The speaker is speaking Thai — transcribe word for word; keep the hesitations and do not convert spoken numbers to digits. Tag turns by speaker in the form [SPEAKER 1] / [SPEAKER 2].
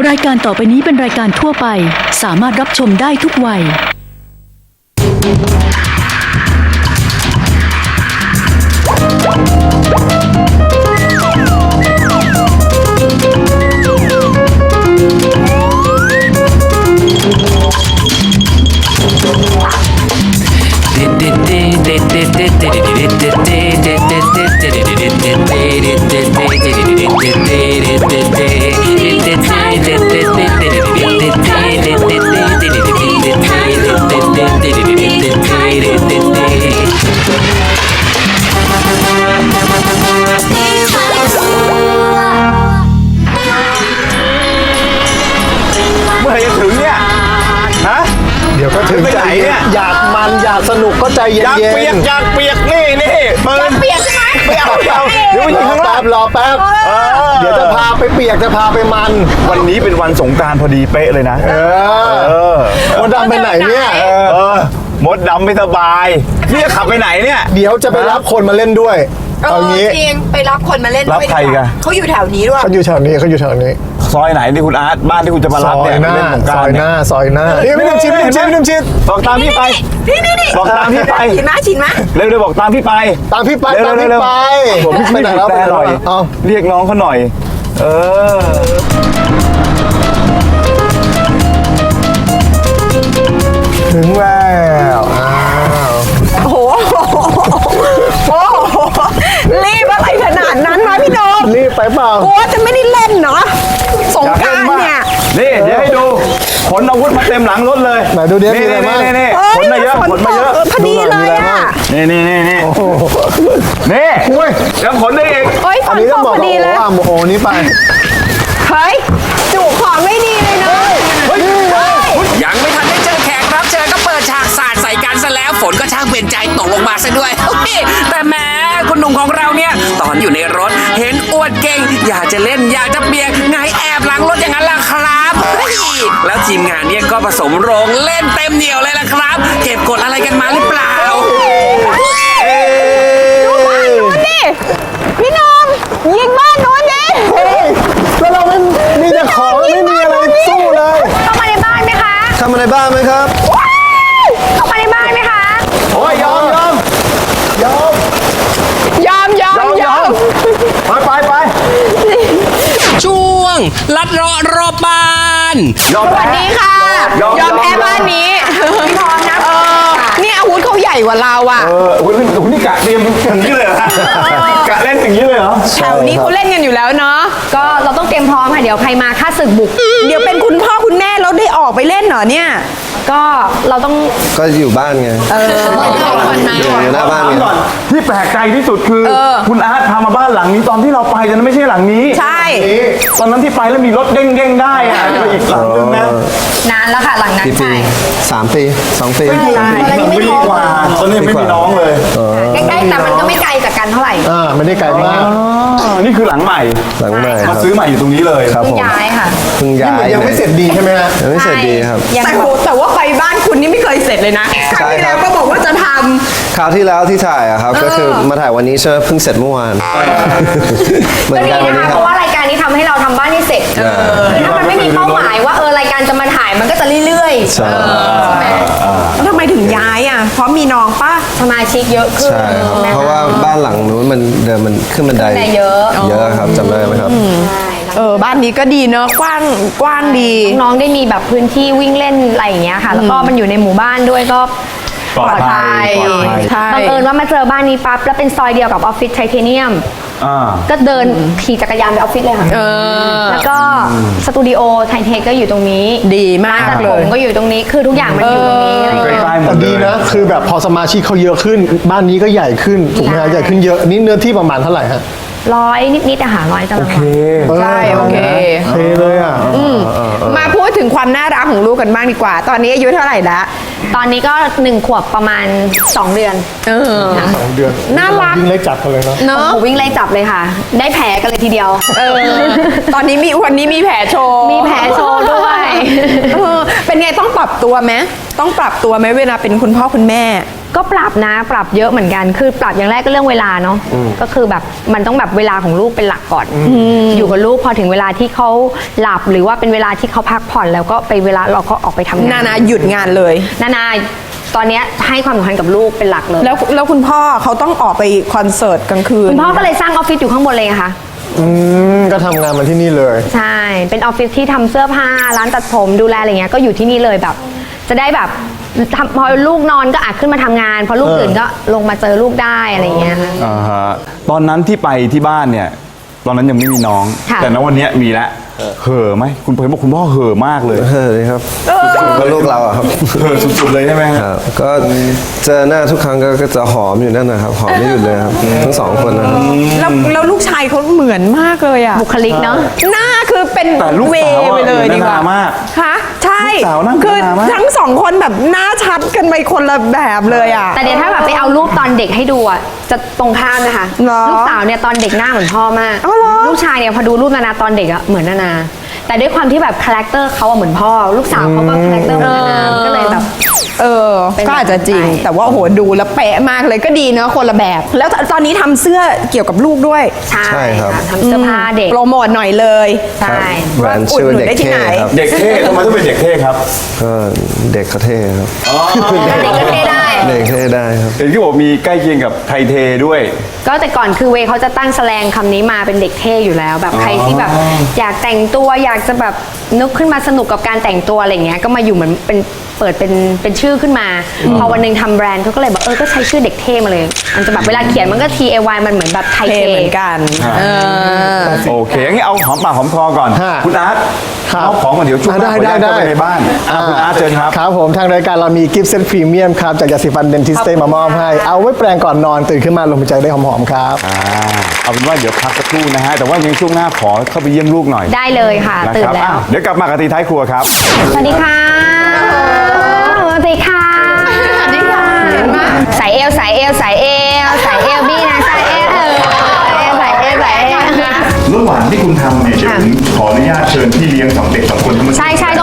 [SPEAKER 1] รายการต่อไปนี้เป็นรายการทั่วไปสามารถรับชมได้ทุกวัย
[SPEAKER 2] ไปไหนเนี่ยอยากมันอยากสนุกก็ใจเย็นๆอยากเปียกอยากเปียกนี่นี่ปืนเปียกใช่ไหมไม่เอาไม่เอาเดี๋ยวไปยิงข้างล่างรอแป๊บเดี๋ยวจะพาไปเปียกจะพาไปมันวันนี้เป็นวันสงกรานต์พอดีเป๊ะเลยนะเออมดดำไปไหนเนี่ยเออมดดำไม่สบายนี่จะขับไปไหนเนี่ยเดี๋ยวจะไปรับคนมาเล่นด้วยเอางี้
[SPEAKER 3] จริงไปรับคนมาเล่นด้วย
[SPEAKER 2] รับใครกัน
[SPEAKER 3] เขาอยู่แถวนี้ด้วย
[SPEAKER 2] เขาอยู่แถวนี้เขาอยู่แถวนี้ซอยไหนที่คุณอาร์ตบ้านที่คุณจะมารับเนี่ยเล่นสงกรานต์ซอยหน้าซอยหน้านี่ไม่ต้องชิมไม่ต้องชิมไม่ต้องชิมบอกตามพี่ไป
[SPEAKER 3] นี่นี่นี่
[SPEAKER 2] บอกตามพี่ไป
[SPEAKER 3] ชินมาชินมา
[SPEAKER 2] เร็วๆบอกตามพี่ไปตามพี่ไปตามพี่ไปผมพี่ไปไหนแล้วไปหน่อยเรียกน้องเขาหน่อยเออถึงแล้วอ้าว
[SPEAKER 3] โอ้โหโอ้โหรีบอะไรขนาดนั้นมาพี่โดม
[SPEAKER 2] รีบไปเปล่า
[SPEAKER 3] โอ้จะไม่ได้เล่นเนาะสงกรานต์เนี่ย
[SPEAKER 2] นี่เดี๋ยวให้ดูขนอาวุธมาเต็มหลังรถเลยไหนดูเดี๋ยวมีอะไรบ้างนี่ขนมาเยอะขนมาเยอะ
[SPEAKER 3] พอดีเลยอ่ะ
[SPEAKER 2] นี่นี่นี่นี่นี่ยังขนได้อีก
[SPEAKER 3] เฮ้ยฝนตกพอดีเลย
[SPEAKER 2] โอ้โหนี่ไป
[SPEAKER 3] เฮ้ยจุของไม่ดีเลยนะ
[SPEAKER 4] ยังไม่ทันได้เจอแขกรับเชิญก็เปิดฉากสาดใส่กันซะแล้วฝนก็ช่างเป็นใจตกลงมาซะด้วยแต่แม้คุณหนุ่มของเราเนี่ยตอนอยู่ในรถเห็นอวดเก่งอยากจะเล่นอยากจะเปียกไงแอบหลังรถอย่างนั้นล่ะครับแล้วทีมงานเนี่ยก็ผสมโรงเล่นเต็มเหนียวเลยล่ะครับเก็บกดอะไรกันมาหรือเปล่า
[SPEAKER 3] ดูบ้านนู้นดิพี่น้องยิงบ้านนู้นดิ
[SPEAKER 2] แล้วเราไม่มีแต่ของไม่มีอะไรสู้เลย
[SPEAKER 3] เข้ามาในบ้านไหมคะ
[SPEAKER 2] เข้ามาในบ้านไหมครับ
[SPEAKER 3] เข้ามาในบ้านไหมคะ
[SPEAKER 2] โอ้ยยอมยอมยอม
[SPEAKER 3] ยอมยอมยอม
[SPEAKER 2] ไปไปไป
[SPEAKER 4] ช่วงลัดเลาะรอบบ้าน
[SPEAKER 3] สวัสดีค่ะยอมแพ้บ้านนี้พร้อมนะเออนี่อาวุธเขาใหญ่กว่าเราอ่ะ
[SPEAKER 2] เออโอ้ยนี่กะเตรียมอย่างนี้เลยเหรอกะเล่นอย่างนี้เลยเหรอ
[SPEAKER 3] แถวนี้เขาเล่นกันอยู่แล้วเนาะ
[SPEAKER 5] ก็เราต้องเตรียมพร้อมค่ะเดี๋ยวใครมาฆ่าศึกบุก
[SPEAKER 3] เดี๋ยวเป็นคุณพ่อคุณแม่เราได้ออกไปเล่นเหรอเนี่ย
[SPEAKER 5] ก็เราต้อง
[SPEAKER 6] ก็อยู่บ้านไง
[SPEAKER 3] เออ
[SPEAKER 6] อยู่หน้าบ้านไง
[SPEAKER 2] ที่แปลกใจที่สุดคือคุณอาร์ตพามาบ้านหลังนี้ตอนที่เราไปแต่ไม่ใช่หลังนี้
[SPEAKER 3] ใช่
[SPEAKER 2] ตอนนั้นที่ไปแล้วมีรถเด้งเด้งได้อะอีกหลังนึงนะ
[SPEAKER 5] นานแล้วค่ะหลังนั้นใช่
[SPEAKER 6] สามปีสองปี
[SPEAKER 2] สองปีกว่าตอนนี้ไม่มีน้องเลย
[SPEAKER 5] ใกล้ๆแต่มันก็ไม่ไกลจากกันเท่าไหร่
[SPEAKER 2] อ่าไม่ได้ไกลมากนี่คือหลังใหม่
[SPEAKER 6] หลังใหม่
[SPEAKER 2] มาซื้อใหม่อยู่ตรงนี้เลย
[SPEAKER 6] ครับผม
[SPEAKER 5] ย้ายค่ะ
[SPEAKER 6] เพิ่งย้าย
[SPEAKER 2] ยังไม่เสร็จดีใช่ไหมฮะ
[SPEAKER 6] ยังไม่เสร็จดีครับ
[SPEAKER 3] แต่โหแต่ว่าไปบ้านคุณนี่ไม่เคยเสร็จเลยนะครั้งที่แล้วก็บอกว่าจะท
[SPEAKER 6] ำคราวที่แล้วที่ถ่ายอะครับก็คือมาถ่ายวันนี้เชื่อเพิ่งเสร็จเมื่อวาน
[SPEAKER 5] เหมือนกันวันนี้เพราะว่ารายการนี้ทำให้เราทำบ้านให้เสร็จถ้ามันไม่มีเป้าหมายว่าเออรายการจะมาถ่ายมันก็จะเรื่อยๆใช่
[SPEAKER 3] ไหมทำไมถึงย้ายอ่ะเพราะมีน้องป้า
[SPEAKER 5] สมาชิกเยอะขึ้น
[SPEAKER 6] ใช่เพราะว่าบ้านหลังนู้นมันเดิมมันขึ้นบันได
[SPEAKER 5] เยอะ
[SPEAKER 6] เยอะครับจำได้ไหมครับ
[SPEAKER 3] เออบ้านนี้ก็ดีเนอะกว้างกว้างดี
[SPEAKER 5] น้องได้มีแบบพื้นที่วิ่งเล่นอะไรอย่างเงี้ยค่ะแล้วก็มันอยู่ในหมู่บ้านด้วยก็
[SPEAKER 3] ปลอดภัย
[SPEAKER 5] บังเอิญว่ามาเจอบ้านนี้ปั๊บแล้วเป็นซอยเดียวกับออฟฟิศไทเทเนียมก็เดินขี่จักรยานไปออฟฟิศเลยค่ะแล้วก็สตูดิโอไทเทคก็อยู่ตรงนี้
[SPEAKER 3] ดีมากเลย
[SPEAKER 5] ก็อยู่ตรงนี้คือทุกอย่างมันอยู่ตรงนี้อะไรอย่างเงี้ย
[SPEAKER 2] แต่ดีนะคือแบบพอสมาชิกเขาเยอะขึ้นบ้านนี้ก็ใหญ่ขึ้นถูกไหมใหญ่ขึ้นเยอะนี่เนื้อที่ประมาณเท่าไหร่ฮะ
[SPEAKER 5] ร้อยนิดๆอาหารร้อยตารางวา
[SPEAKER 3] ใช่โอเค
[SPEAKER 2] โอเคเลยอ่ะ
[SPEAKER 3] มาพูดถึงความน่ารักของลูกกันบ้างดีกว่าตอนนี้อายุเท่าไหร่ละ
[SPEAKER 5] ตอนนี้ก็หนึ่งขวบประมาณสองเดือน
[SPEAKER 3] เออ
[SPEAKER 2] สองเดือน
[SPEAKER 3] น่ารัก
[SPEAKER 2] วิ่งไล่จับกันเลยเนาะ
[SPEAKER 5] เนาะวิ่งไล่จับเลยค่ะได้แผลกันเลยทีเดียว
[SPEAKER 3] เออตอนนี้มีวันนี้มีแผลโชว์
[SPEAKER 5] มีแผลโชว์ด้วย
[SPEAKER 3] เป็นไงต้องปรับตัวไหมต้องปรับตัวไหมเวลาเป็นคุณพ่อคุณแม่
[SPEAKER 5] ก็ปรับนะปรับเยอะเหมือนกันคือปรับอย่างแรกก็เรื่องเวลาเนาะก็คือแบบมันต้องแบบเวลาของลูกเป็นหลักก่อนอยู่กับลูกพอถึงเวลาที่เขาหลับหรือว่าเป็นเวลาที่เขาพักผ่อนแล้วก็ไปเวลาเราก็ออกไปทำงาน
[SPEAKER 3] นานาหยุดงานเลย
[SPEAKER 5] นานาตอนเนี้ยให้ความสำคัญกับลูกเป็นหลักเลย
[SPEAKER 3] แล้วแล้วคุณพ่อเขาต้องออกไปคอนเสิร์ตกลางคืน
[SPEAKER 5] คุณพ่อก็เลยสร้างออฟฟิศอยู่ข้างบนเลยไงคะ
[SPEAKER 2] อืมก็ทำงานมาที่นี่เลย
[SPEAKER 5] ใช่เป็นออฟฟิศที่ทำเสื้อผ้าร้านตัดผมดูแลอะไรเงี้ยก็อยู่ที่นี่เลยแบบ จะได้แบบทำพอลูกนอนก็อาจขึ้นมาทำงานพอลูก
[SPEAKER 2] เออ
[SPEAKER 5] ตื่นก็ลงมาเจอลูกได้อะไรเงี้ยค่ะ
[SPEAKER 7] อ่าฮะตอนนั้นที่ไปที่บ้านเนี่ย ตอนนั้นยังไม่มีน้อง
[SPEAKER 5] ค่ะ
[SPEAKER 7] แต่ณวันเนี้ยมีแล้วเห่อไหมคุณเพยบอกคุณพ่อเห่อมากเลย
[SPEAKER 6] เออครับก็ลูกเราอะครับ
[SPEAKER 7] เห่อสุดๆเลยใช่ไหม
[SPEAKER 6] ครับ ก็เจอหน้าทุกครั้งก็ก็จะหอมอยู่นั่นนะครับ หอมไม่หยุดเลยครับ ทั้งสองคนนะครับ
[SPEAKER 3] แล้วแล้วลูกชายเขาเหมือนมากเลยอ่ะ
[SPEAKER 5] บุคลิกเนาะ
[SPEAKER 3] หน้าคือเป็น
[SPEAKER 7] แต่ลูก
[SPEAKER 3] เว
[SPEAKER 7] สาว
[SPEAKER 3] ไป
[SPEAKER 7] อะ
[SPEAKER 3] เลย
[SPEAKER 7] เหมือน
[SPEAKER 3] ดีกว่า
[SPEAKER 7] นามาก
[SPEAKER 3] คะใช่
[SPEAKER 7] ลูกสาวหน้าเหมือน
[SPEAKER 3] คือ
[SPEAKER 7] นามาก
[SPEAKER 3] ทั้งสองคนแบบหน้าชัดกันไปคนละแบบเลยอ่ะ
[SPEAKER 5] แต่เดี๋ยวถ้าแบบไปเอารูปตอนเด็กให้ดูอ่ะจะตรงข้ามนะคะ
[SPEAKER 3] เหรอ
[SPEAKER 5] ลูกสาวเนี่ยตอนเด็กหน้าเหมือนพ่อมาก
[SPEAKER 3] อ๋อเหรอ
[SPEAKER 5] ลูกชายเนี่ยพอดูรูปนานาตอนเด็กอ่ะเหมือนนานา แต่ด้วยความที่แบบคาแรคเตอร์เขาอะเหมือนพ่อ ลูกสาวเขาก็คาแรคเตอร์เหมือนนานาก็เลยแบบ
[SPEAKER 3] เออ
[SPEAKER 5] เป็น
[SPEAKER 3] ก็อาจจะจริง
[SPEAKER 5] แบบนั้นไป
[SPEAKER 3] แต่ว่าโอ้โหดูแล้วเป๊ะมากเลยก็ดีเนอะคนละแบบ แล้วตอนนี้ทำเสื้อเกี่ยวกับลูกด้วย
[SPEAKER 5] ใช่
[SPEAKER 6] ใช่ครับ
[SPEAKER 5] ค่ะทำเสื้อผ้าเด็ก
[SPEAKER 3] โปรโมทหน่อยเลย
[SPEAKER 5] ใช่
[SPEAKER 6] แบรนด์ชื่อเด็กเท่ครับ
[SPEAKER 7] เด็กเท่ทำไมต้องเป็นเด็กเท่ครับ
[SPEAKER 6] ก็เด็กเขาเท่ครับ
[SPEAKER 5] เด็กก็เท่ได้
[SPEAKER 6] เด็กเท่ได้ครับ
[SPEAKER 7] เห็นที่บอกมีใกล้เคียงกับไทยเทด้วย
[SPEAKER 5] ก็แต่ก่อนคือเวย์เขาจะตั้งแสลงคำนี้มาเป็นเด็กเท่อยู่แล้ว แบบใครที่แบบอยากแต่งตัวอยากจะแบบนึกขึ้นมาสนุกกับการแต่งตัวอะไรเงี้ยก็มาอยู่เหมือนเป็นเปิดเป็นเป็นชื่อขึ้นมา พอวันหนึ่งทำแบรนด์เขาก็เลยบอกเออก็ใช้ชื่อเด็กเท่มาเลย มันจะแบบเวลาเขียนมันก็ T A Y มันเหมือนแบบไทย
[SPEAKER 3] เท
[SPEAKER 5] เท่
[SPEAKER 3] เหมือนกันเออ
[SPEAKER 7] โอเคงั้นเอาหอมปากหอมคอก่อน
[SPEAKER 2] ฮะ
[SPEAKER 7] คุณอาร์ต
[SPEAKER 2] ครับ
[SPEAKER 7] เอาของก่อนเดี๋ยวช่วงหน้า
[SPEAKER 2] ได้
[SPEAKER 7] ขออนุญาต
[SPEAKER 2] ได้
[SPEAKER 7] เข้าไป
[SPEAKER 2] ได้
[SPEAKER 7] ในบ้านอ่ะคุณอาร์ตเชิญครับ
[SPEAKER 2] ครับผมทางรายการเรามีกิฟต์เซตพรีเมียมครับจากยาสีฟันเดนทิสเต้มามอบให้ เอาไว้แปรงก่อนนอนตื่นขึ้นมาลมหายใจได้หอมๆครับ
[SPEAKER 7] อ่าเอาเป็นว่าเดี๋ยวพักสักครู่นะฮะ แต่ว่ายังช่วงหน้าขอเข้าไปเยี่ยมลูกหน่อย
[SPEAKER 5] ได้เลยค่ะ
[SPEAKER 7] นะ
[SPEAKER 5] ตื่
[SPEAKER 7] คน รับ
[SPEAKER 5] แล้ว
[SPEAKER 7] อ่ะเดี๋ยวกลับมากับตีท้ายครัวครับ
[SPEAKER 5] สวัสดีค่ะสวัสดีค่ะ
[SPEAKER 3] สวัสดีค่ะเห็นไหม
[SPEAKER 5] สายเอวสายเอวสายเอวสายเอวบี้นะสายเอวเออสายเอวสายเอว
[SPEAKER 8] ระหว่างที่คุณทำเนี่ยเดี๋ยวผมขออนุญาตเชิญพี่เลี้ยงสองเด็กสองคนที่มา
[SPEAKER 5] ใช่ใช่